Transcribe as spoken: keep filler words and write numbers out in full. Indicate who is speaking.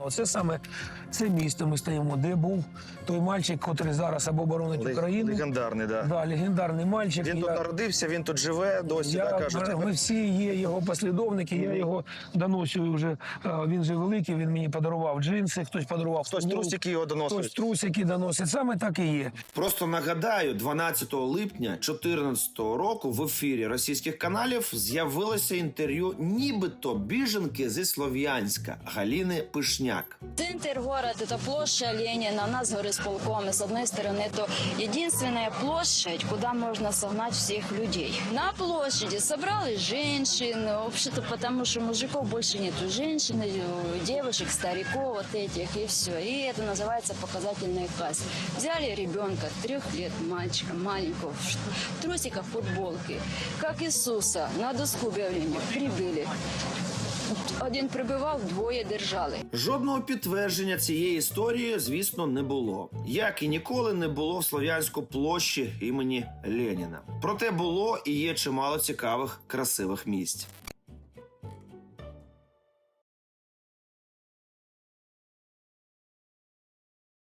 Speaker 1: Оце саме це місто ми стоїмо, де був той мальчик, який зараз або боронить
Speaker 2: Лег-
Speaker 1: Україну.
Speaker 2: Легендарний, да.
Speaker 1: Да, легендарний мальчик.
Speaker 2: Він
Speaker 1: Я-
Speaker 2: тут народився, він тут живе, досі,
Speaker 1: Я,
Speaker 2: да, кажуть.
Speaker 1: ми всі є його послідовники, я його доносю вже. е, Він же великий, він мені подарував джинси, хтось подарував
Speaker 2: Хтось
Speaker 1: футболку,
Speaker 2: трусики його доносить.
Speaker 1: хтось трусики доносить. Саме так і є.
Speaker 3: Просто нагадаю, дванадцятого липня дві тисячі чотирнадцятого року в ефірі російських каналів з'явилося інтерв'ю нібито біженки зі Слов'янська Галіни Пишняк.
Speaker 4: Центр города – это площадь Ленина, у нас горисполком, и с одной стороны это единственная площадь, куда можно согнать всех людей. На площади собрались женщины, вообще-то потому что мужиков больше нету, женщин, девушек, стариков вот этих и все. И это называется показательная касса. Взяли ребенка трех лет, мальчика маленького, в трусиках, футболке, как Иисуса, на доску объявления прибыли. Один прибивав, двоє держали.
Speaker 3: Жодного підтвердження цієї історії, звісно, не було. Як і ніколи не було в Слов'янську площі імені Леніна. Проте було і є чимало цікавих, красивих місць.